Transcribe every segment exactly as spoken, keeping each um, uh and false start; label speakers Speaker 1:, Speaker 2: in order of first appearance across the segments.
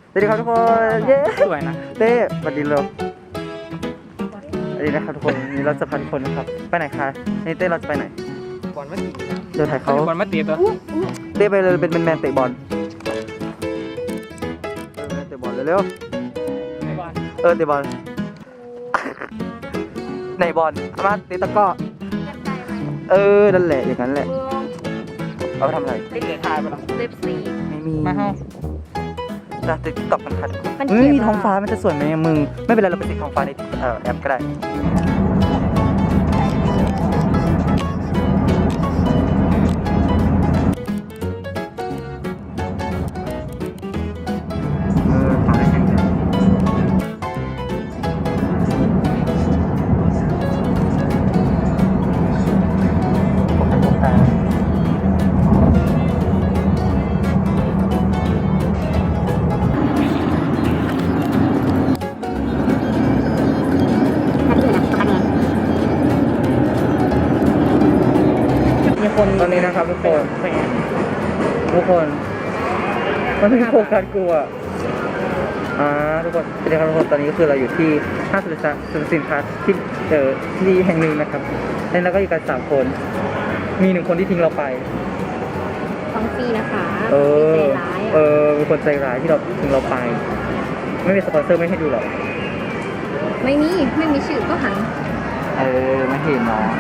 Speaker 1: สวัสดีครับทุกคนเย้
Speaker 2: สวยนะ
Speaker 1: เต้สวัสดีเลยสวัสดีนะครับทุกคนนี่เราจะพาทุกคนนะครับไปไหนคะนี่เต้เราจะไปไหน
Speaker 2: บอลมาตี
Speaker 1: เดี๋ยวถ่ายเขา
Speaker 2: บอลมาตีตัว
Speaker 1: เต้ไปเลยเป็นแมนเตะบอลเออเตะบอลเร็วๆเออเตะบอลไหนบอลเอามาเตะตะก้อเออนั่นแหละอย่างนั้นแหละเอาไปทำอะไร
Speaker 2: เล่นเหลือทายไปหรอ
Speaker 3: เล็บสี
Speaker 1: ไม่มี
Speaker 2: มาเฮ้า
Speaker 1: จะติดตอกกันค่ะ
Speaker 3: มัน
Speaker 1: เฮ้
Speaker 3: เขี
Speaker 1: ย
Speaker 3: ยน
Speaker 1: มีท้อง
Speaker 3: ว่า
Speaker 1: ฟ้ามันจะสวยไหมอะมึงไม่เป็นไรเราไปติดท้องฟ้าในเอ่อแอปก็ได้เออขอได้แข่งกันผมให้ผมตา
Speaker 2: มีคน
Speaker 1: ตอนนี้นะครับทุกคนทุกคนมันไม่โฟกัสกูอ่ะอ่าทุกคนสวัสดีครับทุกคนตอนนี้ก็คือเราอยู่ที่ห้างสรรพสินค้าที่เจอที่แห่งหนึ่งนะครับแล้วเราก็อยู่กันสามคน มีหนึ่งคนที่ทิ้งเราไป
Speaker 3: ของฟรีนะคะ
Speaker 1: เออ
Speaker 3: ใจร้าย
Speaker 1: เอ
Speaker 3: อ่ะ
Speaker 1: อเป็นคนใจร้ายที่เราทิ้งเราไป ไม่มีสปอนเซอร์ไม่ให้ดูหรอก
Speaker 3: ไม่มี ไม่มีชื่อก็หัน
Speaker 1: เออไม่เห็นเนาะ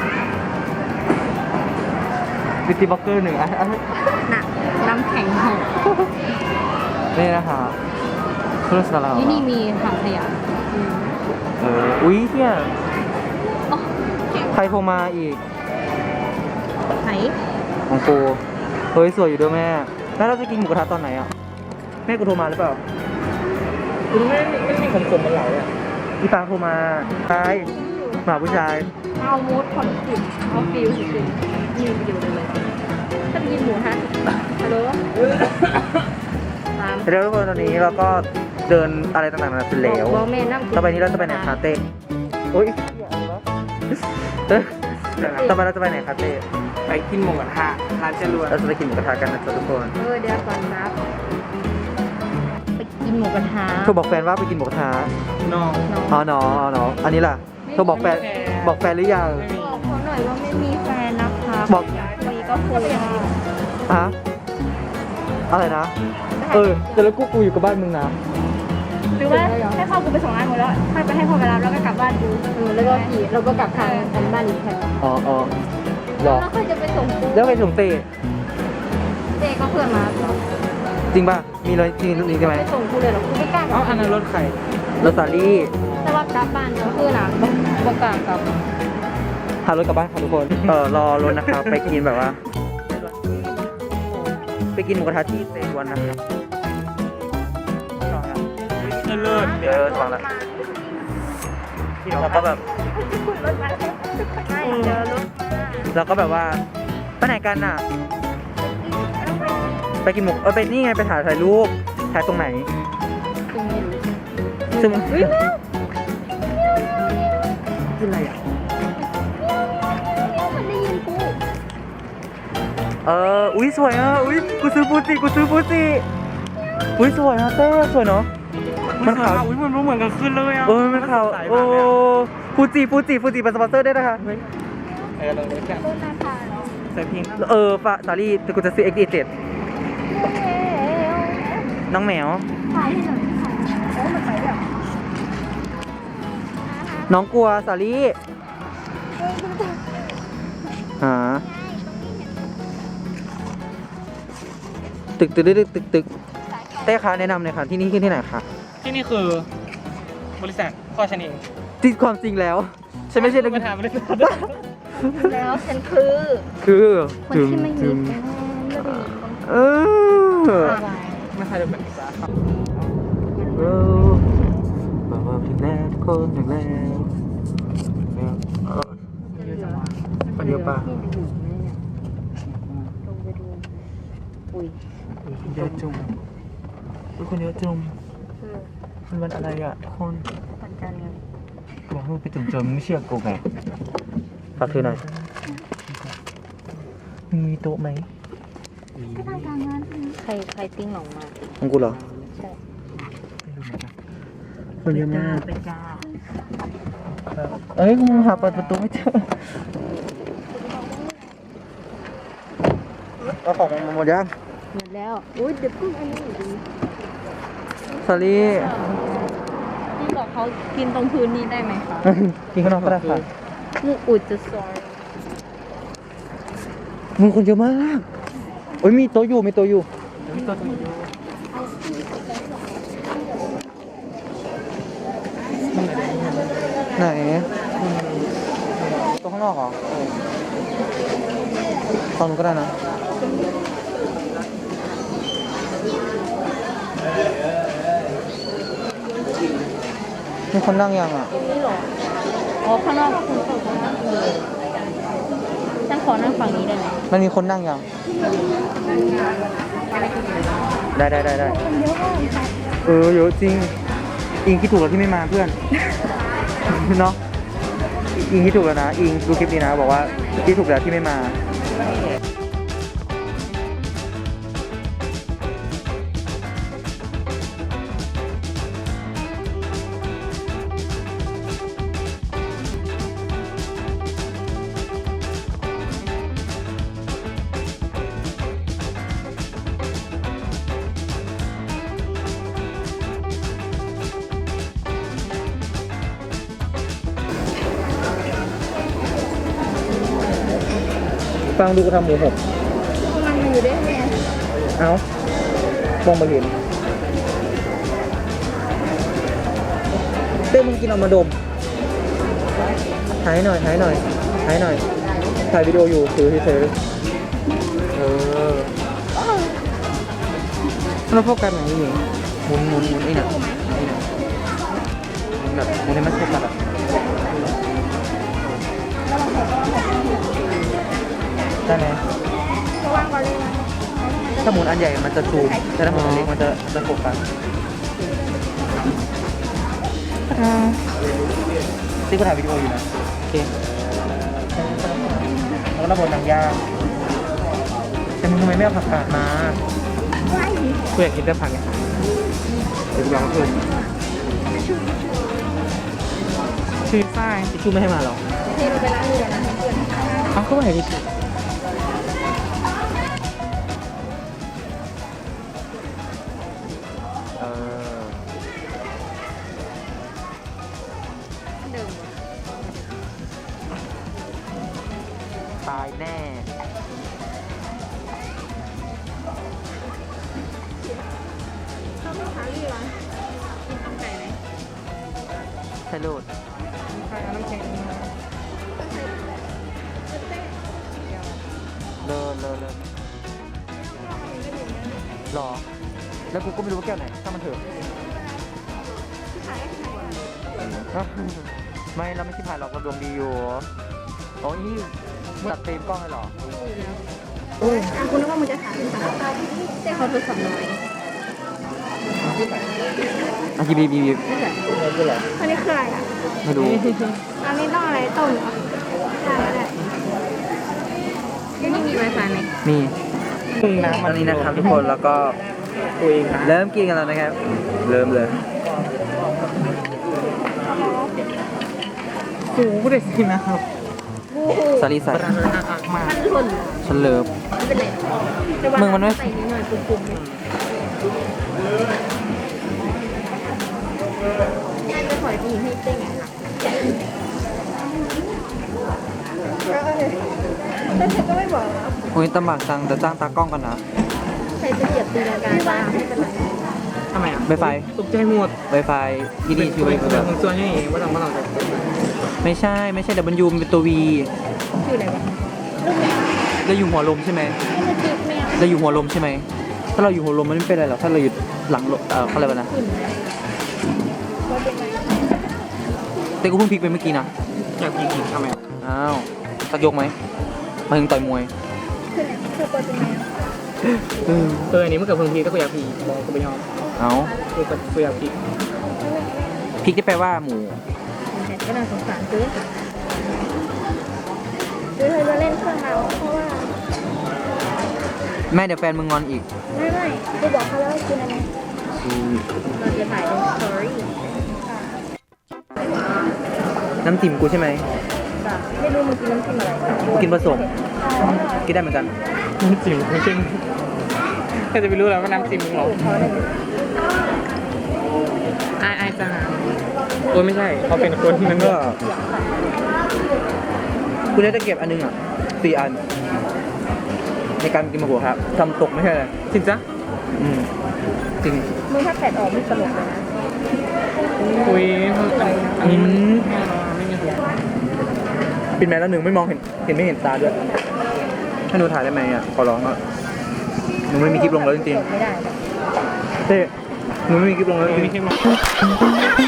Speaker 1: บิวตี้บล็อกเกอร์หนึ่งอ่ะอ่ะ
Speaker 3: หนักน้ำแข็งหก
Speaker 1: นี่นะคะเครื่องสำหรับ
Speaker 3: ที่นี่มีถังขยะอืม
Speaker 1: เอออุ้ยเนี่ย
Speaker 3: อ๋อเก่ง
Speaker 1: ใครโทรมาอีก
Speaker 3: ไหน
Speaker 1: ของกูเฮ้ยสวยอยู่ด้วยแม่แล้วเราจะกินหมูกระทะตอนไหนอ่ะแม่กูโทรมาหรือเปล่า
Speaker 2: คุณไม่ไม่มีผมผมมันไหลอ่ะ
Speaker 1: พี่ฟ้าโทรมาชายหมาผู้ชาย
Speaker 3: เอามูดคอนฟิวเอาฟิวสุดๆยืนอยู่เลยถ้าไปกินหมูฮะฮัลโหลตาม
Speaker 1: เดี๋ยวทุกคนตอนนี้เราก็เดินอะไรต่างๆนานาเสร็จแล้ว
Speaker 3: บอกแม่นั่ง
Speaker 1: ต่อไปนี้เราจะไปไหนคาเต้โอ้ยเอ้ยต่อไปเราจะไปไหนคาเต้
Speaker 2: ไปกินหมูกระทะร้านจรวด
Speaker 1: เราจะไปกินหมูกระทะกันนะจ๊ะทุกคน
Speaker 3: เออเดี๋ยวก่อนนะไปกินหมูกระทะ
Speaker 1: โทรบอกแฟนว่าไปกินหมูกระทะ
Speaker 2: น้อง
Speaker 3: น้อง
Speaker 1: อ๋อเนาะอ๋อเนาะอันนี้ล่ะโทรบอกแฟนบอกแฟนหรือยัง
Speaker 2: ไม่มี
Speaker 3: บอกเขาหน่อยว่าไม่มีแฟนนะคะ
Speaker 1: บอก
Speaker 3: คุยก็คุยได้
Speaker 1: ฮะอะไรนะ เออแต่แล้วกูกูอยู่กับบ้านมึงนะ
Speaker 4: หรือว่าให้พ่อกูไปส่งงานหมดแล้วค่อยไปให้พ่อไปรับแล้วก็กลับบ้านกู
Speaker 3: เออแล้วก็ขี่เราก็กลับทางกันบ้านอีกแค่
Speaker 1: อ๋ออ๋อหรอ
Speaker 3: แล้วค่อยจะไปส่งกู
Speaker 1: แล้วไปส่งเต้
Speaker 3: เจก็เพื่อนมา
Speaker 1: จริงป่ะ มีเลยจริงจริงใช่ไหม
Speaker 3: ไปส่งกูเลยเหรอกูไม่กล้า
Speaker 2: เอ้าอันนั้นรถใคร
Speaker 1: รถสาลี่
Speaker 3: แต่ว่ากลับบ้านก็คือหลังบ่กล้ากลับ
Speaker 1: พารถกลับบ้านค่ะทุกคน เออรอรถนะครับ ไปกินแบบว่า ไปกินหมูกระทะที่เซวันนะครับ
Speaker 2: เลิศ
Speaker 1: เดี๋ยวฟังละแล้วก็แบบ
Speaker 4: ไม่เจอรถ
Speaker 1: แล้วก็แบบว่าไปไหนกันน่ะ ไปกินหมูเออไปนี่ไงไปถ่ายถ่ายรูปถ่ายตรงไหน
Speaker 3: ซึ่งไม่รู้
Speaker 1: ซึ่งคืออะไรอ่ะ
Speaker 3: มันได้ยินกู
Speaker 1: เออ อุ้ยสวยอ่ะ อุ้ยกูซื้อฟูจิกูซื้อฟูจิอุ้ยสวยอ่ะเต้สวยเนาะ มันขาว
Speaker 2: อุ้ยมันรู้เหมือนกันขึ้นเลยอ่ะ
Speaker 1: เออมันขาวโอ้ฟูจิฟูจิฟูจิเป็นสปอนเซอร์ได้นะคะ
Speaker 2: เออลองดูกัน
Speaker 4: รถราคาเนาะ
Speaker 2: ใส่เพลง
Speaker 1: เออฟาสาลี่แต่กูจะซื้อ เอ็กซ์ ดี เจ็ด น้องแมว
Speaker 4: ถ่ายให้หน่อยโอ้มันไปแบบ
Speaker 1: น้องกลัวสาลี่หาตึกตึกตึกตึกตึกเต้คะแนะนำหน่อยค่ะที่นี่คือที่ไหนคะ
Speaker 2: ที่นี่คือบริษัทพ่อฉันเอง
Speaker 1: ที่ความจริงแล้วฉันไม่ใช่นัก
Speaker 2: มาถามบริษัท
Speaker 3: แล้วฉันคือ
Speaker 1: คือ
Speaker 3: คนที่ไม่มีแฟนไม่ได้มีคน
Speaker 1: เออ
Speaker 2: ไม่ใช่แบบนี้จ้า
Speaker 1: เออบอกว่าถึงแล้วทุกคนถึงแล้วเออคนเดียวป่ะ
Speaker 3: ลงไปดูอุ้ย
Speaker 1: คนเยอะจุ่มคนเยอะจุ่มมันวันอะไรอ่ะทุกคน
Speaker 3: ปันกันไง
Speaker 1: บอกมึงไปจุ่มเจอมึงไม่เชื่อกูไงฝากถือหน่อยมึงมีโต๊ะไหม
Speaker 4: ก็ทำการงาน
Speaker 3: ใครใครติ้งหนองมา
Speaker 1: ของกูเหรอ
Speaker 3: ใช่
Speaker 1: คนเยอะมาก
Speaker 3: เป็นกา
Speaker 1: เอ้ยมึงหาเปิดประตูไม่เจอเอาของมาหมดยัง
Speaker 3: หมดแล้วอุ้ยเดี๋ยวเพิ่งอันนี้อยู่ดี
Speaker 1: สอรี่
Speaker 3: พี่บอกเขากินตรงพื้นนี้ได้ไหมคะ
Speaker 1: กินข้างนอกก็ได้ค่ะ
Speaker 3: มูอุดจะซอย
Speaker 1: มึงคนเยอะมากโอ้ยมีโต๊ะอยู่มีโต๊ะอยู่
Speaker 2: มีตัวตัวอยู่
Speaker 1: ไหนโต๊ะข้างนอกเหรอตอนนู้นก็ได้นะมีคนนั่งยังอ่ะ
Speaker 3: นี่หรออ๋อข้างนอกคุณเปิดข้างนอกเลยฉันขอนั่งฝั่งนี้ได้ไหม
Speaker 1: มันมีคนนั่งยังได้ได้ได้ได้เออเยอะจริงอิงคิดถูกแล้วที่ไม่มาเพื่อน เนาะอิงคิดถูกแล้วนะอิงดูคลิปนี้นะบอกว่าคิดถูกแล้วที่ไม่มาฟังดูกูทำหมูหก
Speaker 3: มันมาอยู่ได้ไหม
Speaker 1: เอ้าฟองมาเห็นเต้มึงกินเอามาดมถ่ายหน่อยถ่ายหน่อยถ่ายหน่อยถ่ายวิดีโออยู่ถือเฉยๆเออแล้วโฟกัสไหนนี่หมุนหมุนหมุนนี่เนี่ยนี่เนี่ยหมุนแบบหมุนให้มันโฟกัสอะได้ไหมถ้าหมุนอันใหญ่มันจะซูมแต่ถ้าหมุนอันเล็กมันจะจะโฟกัสที่กูถ่ายวิดีโออยู่นะโอเคแล้วก็ระบบหนังยางแต่มึงทำไมไม่เอาผักกาดมา
Speaker 2: กูอยากกินแต่ผักไงเดี๋ยวกูลองดูชื่อไส้
Speaker 1: ทิชชู่ไม่ให้มาหรอ
Speaker 3: เทไปล้างมือนะเพื่อน
Speaker 2: เอาเข้าไปดิ
Speaker 1: เออ
Speaker 3: เดิม
Speaker 1: ตายแน่
Speaker 3: ชอบลูกค้าลี่วะกินต้มไก่ไหม
Speaker 1: ใช่ลูด
Speaker 2: ใช่เอาน้ำแข็ง
Speaker 1: เลอเลอเลอหรอ แล้วกูก็ไม่รู้ว่าแก้วไหนถ้ามันเถอะ ไม่เราไม่ใช่ผ่านหรอกเราดวงดีอยู่โอ้ยนี่ตัดเต็มกล้องเลยเหรอ
Speaker 3: คุณนึกว่ามึงจะถามหรือเปล่าแต่เขาโทรศัพท์น้อย
Speaker 1: อ่ะบีบีบีบี
Speaker 3: นี่แหละอันนี้คืออะไรอ่ะ
Speaker 1: ไม่รู้
Speaker 3: อันนี้ต้องอะไรต้มเหรอได้ได้ยังมีไวไฟไหม
Speaker 1: มี
Speaker 2: มึงน้ำ
Speaker 1: ต
Speaker 2: มั
Speaker 1: อน นนี้นะครับทุกคนแล้วก็
Speaker 2: ตัวเองนะ
Speaker 1: เริ่มกินกันแล้วนะครับ เริ่มเลย
Speaker 2: กูก็ได้สินะครับ
Speaker 3: บูฮู
Speaker 1: สาลีใส่
Speaker 2: ปลาอักมา
Speaker 3: มันหล่น
Speaker 1: ฉันเลิฟ
Speaker 3: ไม่เป็นไรแต่ว่า
Speaker 1: มึงมันไม่
Speaker 3: ใส่นิดหน่อยปุ่มๆเนี่ยง่ายไปถอยดีให้เต้งไงล่ะแต่เธอก็ไม่บอกแล้ว
Speaker 1: อุ้ยตำบากจังจะจ้างตากล้องกันนะ
Speaker 3: ใครจะเหยียบตีลังกาบ้างไม่เป็นไร
Speaker 2: ทำไมอ่ะ
Speaker 1: ไวไฟ
Speaker 2: ตกใจหมด
Speaker 1: ไวไฟที่นี่ชื่อไวไฟ
Speaker 2: มึงส่วนยังไงว่าต้องว่าต้อง
Speaker 1: ไม่ใช่ไม่ใช่ W มันเป็นตัว V
Speaker 3: ชื่ออะไรวะ
Speaker 1: เราอยู่หัวลมใช่ไหม
Speaker 3: ลูกจิ๊กแมว
Speaker 1: เราอยู่หัวลมใช่ไหม ถ้าเราอยู่หัวลมมันไม่เป็นไรหรอก ถ้าเราอยู่หลังลมเออเขาเรียกว่านะ
Speaker 3: ขึ้นว่าเป็นไง
Speaker 1: แต่กูเพิ่งพลิกไปเมื่อกี้นะ
Speaker 2: อยากกินกินทำไม
Speaker 1: อ้าวสักยกไหมมาถึงต่อยมวย
Speaker 3: ขึ้นคือว่าเป็นไง
Speaker 1: อืม
Speaker 2: เอออันนี้มันเกิดเพิ่งพีก็กูอยากพีบอกกูไปยอม
Speaker 1: เอา
Speaker 2: กูก็กูอยากพี
Speaker 1: พริกที่แปลว่าหมู
Speaker 3: แต่ก็น่าสงสารซื้อซื้อเธอจะเล่นเครื่องเราเพราะว่า
Speaker 1: แม่เดี๋ยวแฟนมึงงอนอีก
Speaker 3: ไม่ไม่กูบอกเขาแล้วว่ากินอันนี้
Speaker 1: อืม
Speaker 3: เราจะถ่ายเป็นสตอรี่
Speaker 1: น้ำจิ้มกูใช่ไหม
Speaker 3: ไม่รู้มึงกินน้ำจิ้มอะไร
Speaker 1: กูกินผสมกินได้เหมือนกัน
Speaker 2: น้ำจิ้มไม่ใช่แค่จะไปรู้แล้วว่าน้ำจิ้มมึงหรออายอายจังโอ้ไม่ใช่เขาเป็นคนที่มัน
Speaker 1: ก็
Speaker 2: ก็
Speaker 1: กูได้ตะเกียบอันนึงอ่ะสี่อัน ในการกินมะกรูดครับทำตกไม่ใช่เลย
Speaker 2: จริงจ้ะ
Speaker 1: อืมจริง
Speaker 3: มึงถ้าแผดออกไม่ตลกเลยนะ
Speaker 2: คุยอันนี้มันไม่มีหัว
Speaker 1: ปิดแมสแล้วหนึ่งไม่มองเห็นเห็นไม่เห็นตาด้วยให้หนูถ่ายได้ไหมอ่ะขอร้องอ่ะหนูไม่มีคลิปลงแล้วจริง
Speaker 3: ไม่ได้
Speaker 1: ๆเต้หนูไม่มีคลิปลงแล้วจริ
Speaker 2: ไม่
Speaker 1: ง
Speaker 2: ใช่หรอก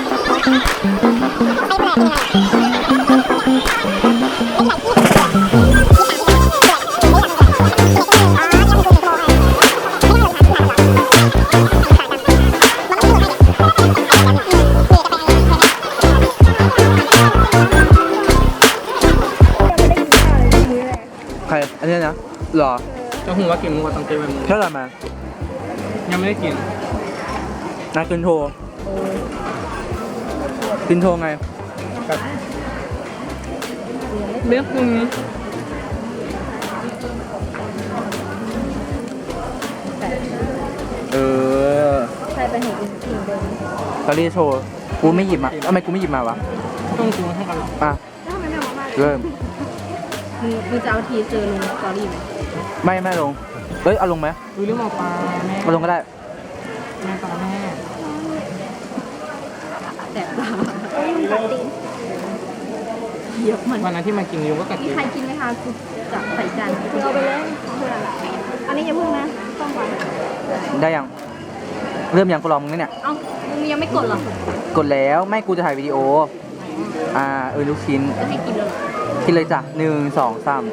Speaker 1: ใครอันนี้นะหรอ
Speaker 2: เจะหูว่ากินมึงว่าต้องเจอไปมึง
Speaker 1: แค่อะไรมา
Speaker 2: ยังไม่ได้กิน
Speaker 1: นากินโทรกินโทรไง
Speaker 2: แบบเลือกมึง
Speaker 1: เออ
Speaker 3: ใครไปเห็นกินกินเดิม
Speaker 1: ตอนนี้โชว์กูไม่หยิบมาทำไมกูไม่หยิบมาวะ
Speaker 2: ต้องกูเท่ากันหรอ
Speaker 1: อ่ะ
Speaker 3: แล้วทำไมไม่เอามา
Speaker 1: เริ่ม
Speaker 3: มึงมึงจะเอาทีเซอร์ลงสตอรี่ไหม
Speaker 1: ไม่ไม่ลงเฮ้ยเอาลงไหม
Speaker 2: ดูเรื่องหมอปลาแม่
Speaker 1: เอาลงก็ได้
Speaker 2: แม่ปลาแม่
Speaker 3: แต่ตาเหยียบมัน
Speaker 2: วันนั้นที่มากินยูก็กัด
Speaker 3: มี
Speaker 2: กิน
Speaker 3: ใครกินไหมคะกูจะใส่จาน
Speaker 4: มึงเอาไปเลยอันนี้อย่าพึ่งนะต้องก่อน
Speaker 1: ได้ยังเริ่มยังกูรอมึงเนี่ย
Speaker 3: เอ้ามึงยังไม่กดเหรอก
Speaker 1: ดแล้วไม่กูจะถ่ายวิดีโออ่าเออลูกชิ้น
Speaker 3: จะให้กินเลยเหรอ
Speaker 1: กินเลยจ้ะหนึ่งสองสาม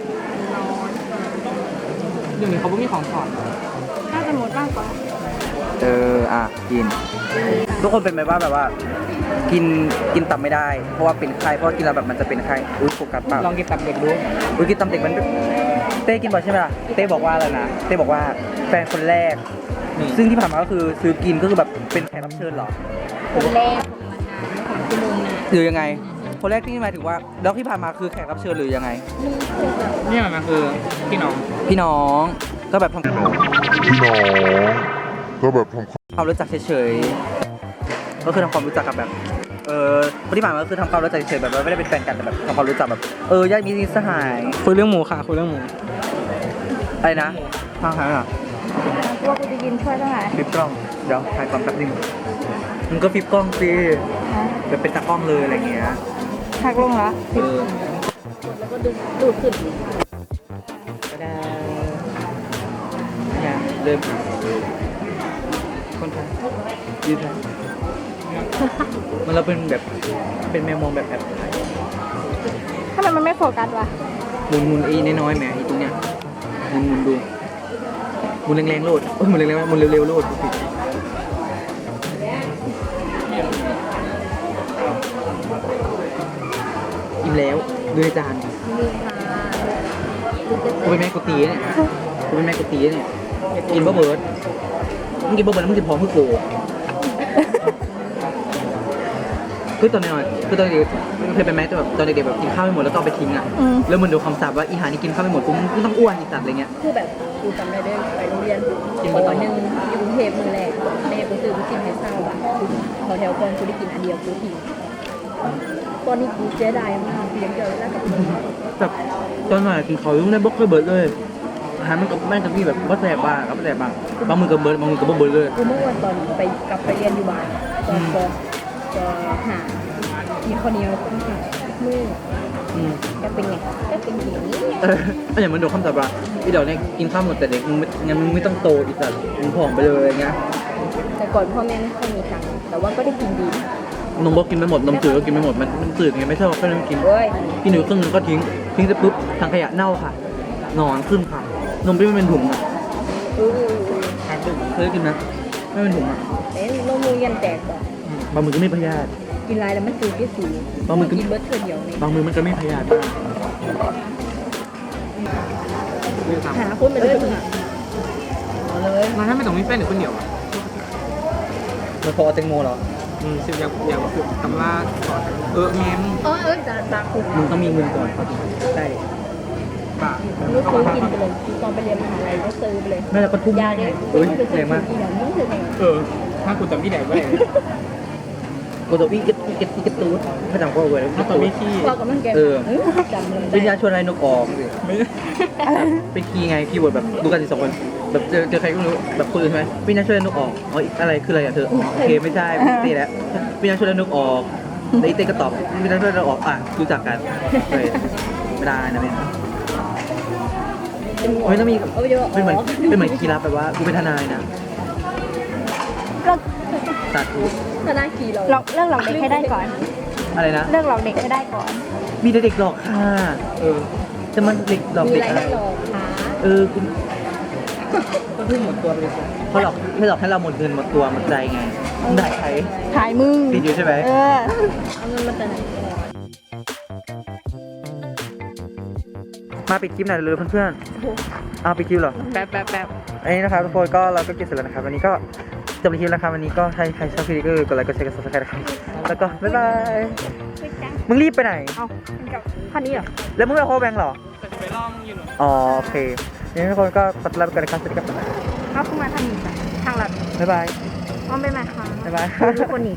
Speaker 2: เดี๋ยวนี้เขาไม่มีของถอด
Speaker 4: น่าจะหมดมากกว่า
Speaker 1: เอออ่ะกิน ทุกคนเป็นไหมว่าแบบว่า กินกินตับไม่ได้ เพราะว่าเป็นไข้เพราะว่ากินแล้วแบบมันจะเป็นไข้อุ้ยโฟกัสเปล่า
Speaker 2: ลองกินตับเด็กดู
Speaker 1: อุ้ยกินตับเด็กมันเต้กินบ่อยใช่ไหมล่ะเต้บอกว่าอะไรนะเต้บอกว่าแฟนคนแรก
Speaker 2: นี่
Speaker 1: ซึ่งที่ผ่านมาก็คือซื้อกินก็คือแบบเป็นแขกรับเชิญเหรอ
Speaker 3: คนแรกของชั่วโมงนะ
Speaker 1: หรือยังไง คนแรกที่หมายถึงว่าแล้วที่ผ่านมาคือแขกรับเชิญหรือยังไง
Speaker 2: นี่มันคือพี่น้อง
Speaker 1: พี่น้องก็แบบทำ
Speaker 5: พี่น้องก็แบบทำ
Speaker 1: ความรู้จักเฉยๆก็คือทำความรู้จักกับแบบ เออคนที่ผ่านมาก็คือทำความรู้จักเฉยๆแบบว่าไม่ได้เป็นแฟนกันแต่แบบทำความรู้จักแบบเออญาติมิตรสหาย
Speaker 2: คุยเรื่องหมูค่ะคุยเรื่องหมู
Speaker 1: อะไรนะทางหางอ่ะ
Speaker 4: ตัวกูจะกินช่วยเท่าไหร่
Speaker 1: ฟิปกล้องเดี๋ยวถ่ายความแป๊บนึงมึงก็ฟิปกล้องสิแบบเป็นตากล้องเลยอะไรเงี้ย
Speaker 4: หักลงเหรอ
Speaker 1: เออ
Speaker 3: แล้วก็ดูดูดขึ้น
Speaker 1: ก็ได้เนี่ยเริ่มคนไทยยืดไทยมันเราเป็นแบบเป็นแมวมองแบบแอบถ่าย
Speaker 4: ทำไมมันไม่โฟกัสวะ
Speaker 1: หมุนหมุนไอ้น้อยๆแหมไอ้ตรงเนี้ยหมุนหมุนดูหมุนแรงๆโลดโอ้ยหมุนแรงๆหมุนเร็วๆโลดอิ่มแล้วดูในจาน
Speaker 3: มีค่ะ
Speaker 1: กูเป็นแม่กูตีเนี่ยกูเป็นแม่กูตีเนี่ยกินบ่เบิร์ดมึงกินบ่เบิร์ดแล้วมึงจะพร้อมเพื่อกูคือตอนนี้คือตอนเด็กเคยเป็นไหมแต่แบบตอนเด็กๆแบบกินข้าวไม่หมดแล้วต้องไปทิ้งอ่ะ
Speaker 4: อืม
Speaker 1: แล้วเหมือนดูคำสาปว่าอีหานี่กินข้าวไม่หมดกูมึงต้องอ้วนอีสัตว์อะไรเงี้ย
Speaker 3: คือแบบกูจำได้ด้วยไปโรงเรียน
Speaker 1: กิน
Speaker 3: ป
Speaker 1: มาตอน
Speaker 3: หนึ่งอยู่กรุงเทพมือแรกแม่กูซื้อกูกินให้เศร้าอ่ะขอแถวก่อนกูได้กินอันเดียวกูทิ้งตอนนี้กูเสียดายมากเพียงเจอแล้วกับมึง
Speaker 1: แบบตอนหน่อยกินข้าวยุ่งได้บล็อกเลยเบิร์ดเลยอาหารมันกับแม่งกับพี่แบบว่าแสบบ้างกับแสบบ้างบางมือกับเบิร์ดบางมือกับบ่เบิร์ดเลย
Speaker 3: กูเมื่อวันตอนไปกลับไปเรียนอยู่บ้านตอนปจะหามีข้าวเหนียวต้มขามือ
Speaker 1: อืม
Speaker 3: จะเป็นไงก็เป็นอย่างนี้
Speaker 1: เออก็อย่างเหมันโดนคำสาปว่าพี่เดี๋ยวเนี่ยกินข้าวหมดแต่เด็กมึงไม่งั้นมึงไม่ต้องโตอีสัตว์มึงผอมไปเลยอะไรเงี้ย
Speaker 3: แต่ก่อนพ่อแม่ไม่ค่อยมีตังค์แต่ว่าก็ได้กินดี
Speaker 1: นมบอกกินไม่หมดนมจืดก็กินไม่หมดมันมันจืดไงไม่ชอบก็เลยไม่กิน
Speaker 3: เว้ย
Speaker 1: กินอยู่ครึ่งนึงก็ทิ้งทิ้งเสร็จปุ๊บทางขยะเน่าค่ะหนอนขึ้นค่ะนมที่ไม่เป็นถุงอ่ะ
Speaker 3: อู้
Speaker 1: เคยกินนะไม่เป็นถุงอ่ะ
Speaker 3: เอ๊ะนมมูยันแตกก่อน
Speaker 1: บางมือก็ไม่พยาธิ
Speaker 3: กินไรแล้วมันจืดที่สูง
Speaker 1: บางมื้อก็
Speaker 3: กินเบิร์ดเธอเดียวนี่
Speaker 1: บางมือมันก็ไม่พยาธิ
Speaker 3: หาคนไปเลยมึงอ่ะเอาเลย
Speaker 2: มาถ้าไม่ต้องมีแฟนหรือคนเดียวอะ
Speaker 1: มันพอแตงโมเหรอ
Speaker 2: อืมสิบอยากอยากฝึกตำราสอนเออแง้ม
Speaker 3: เออเออจะบาคุก
Speaker 1: มึงต้องมีเงินก่อนเขาถึงได้
Speaker 2: ปะ
Speaker 3: ลูกซื้อกินไปเลยตอนไปเรียนมหาลัยก็ซื้อไปเลย
Speaker 1: น่าจะปทุม
Speaker 3: ยาเด็ก
Speaker 1: เอ้ย
Speaker 3: ไปซื้
Speaker 1: แร
Speaker 3: อง
Speaker 1: มาก
Speaker 3: กินอย่างนี้คือไง
Speaker 2: เออ ถ้ากูจำที่ไหนไม่ได้
Speaker 1: กูตัววิ่งกระตุ้กระตุ้กระตุ้พระจังพ่อเว้ย
Speaker 2: ถ้าตอนนี้ที่
Speaker 3: ว่ากับมันแกจำเลย
Speaker 1: วิญญาณชวนอะไรนกออก
Speaker 2: ไม่
Speaker 1: ไปคีย์ไงคีย์เวิร์ดแบบดูกันสิสองคนแบบเจอเจอใครก็ไม่รู้แบบคนอื่นใช่ไหมวิญญาณชวนอะไรนกออกอ๋ออะไรคืออะไรอ่ะเธอโอเคไม่ใช่ไม่ตีแล้ววิญญาณชวนอะไรนกออกแล้วอีเต้ก็ตอบวิญญาณชวนอะไรนกออกอ่ะรู้จักกันเลยไม่ได้นะเนี่ยไม่ต้องมี
Speaker 3: เอาเยอะ
Speaker 1: เป็นเหมือนเป็นเหมือนคีย์ลับแบบว่ากูเป็นทนายนะ
Speaker 4: เลิก
Speaker 1: ตัดกู
Speaker 3: ถ้าได้กี่เรา
Speaker 4: หลอกเลิกหลอกเด็กให้ได้ก่อน
Speaker 1: อะไรนะ
Speaker 4: เลิกหลอกเด็กให้ได้ก่อน
Speaker 1: มีแต่เด็กหลอกค่ะ
Speaker 2: เออ
Speaker 1: จะมันเด็กหลอก
Speaker 3: มี
Speaker 1: เด็ก
Speaker 3: อะไร
Speaker 1: อะไร
Speaker 3: ให้หลอกขา
Speaker 1: เออกู
Speaker 2: ก็เพิ่งหมดตัวไปเลย
Speaker 1: เขาหลอกไม่หลอกให้เราหมดเงินหมดตัวหมดใจไงมึงได้ใคร
Speaker 4: ถ่ายมึง
Speaker 1: ติดอยู่ใช่ไหม
Speaker 4: เออ
Speaker 3: เอาเงินมาแต่ไหน
Speaker 1: มาปิดคลิปหน่อยเลยเพื่อนๆเอาปิดคลิปเหรอ
Speaker 2: แป๊บแป๊บแป๊บ
Speaker 1: อันนี้นะครับทุกคนก็เราก็เก็บเสร็จแล้วนะครับวันนี้ก็จบคลิปแล้วครับวันนี้ก็ใครใครชอบคลิปนี้ก็กดไลค์กดแชร์กดซับสไครต์นะครับแล้วก็บ๊ายบายมึงรีบไปไหน
Speaker 4: เอาคันนี้เหรอ
Speaker 1: แล้วมึงไปโฮแบงค์เหรอ
Speaker 2: แต่จะไปล่อมึงอยู่หนู
Speaker 1: อ๋อโอเคนี่ทุกคนก็กดไลค์ไปกันนะครับสวัสดีครับ
Speaker 4: เอาขึ้นมาทางนี้จ้ะทางหลัด
Speaker 1: บ๊ายบาย
Speaker 4: อ้อมไปไหมคะ
Speaker 1: บ๊ายบาย
Speaker 4: ทุกคนหนี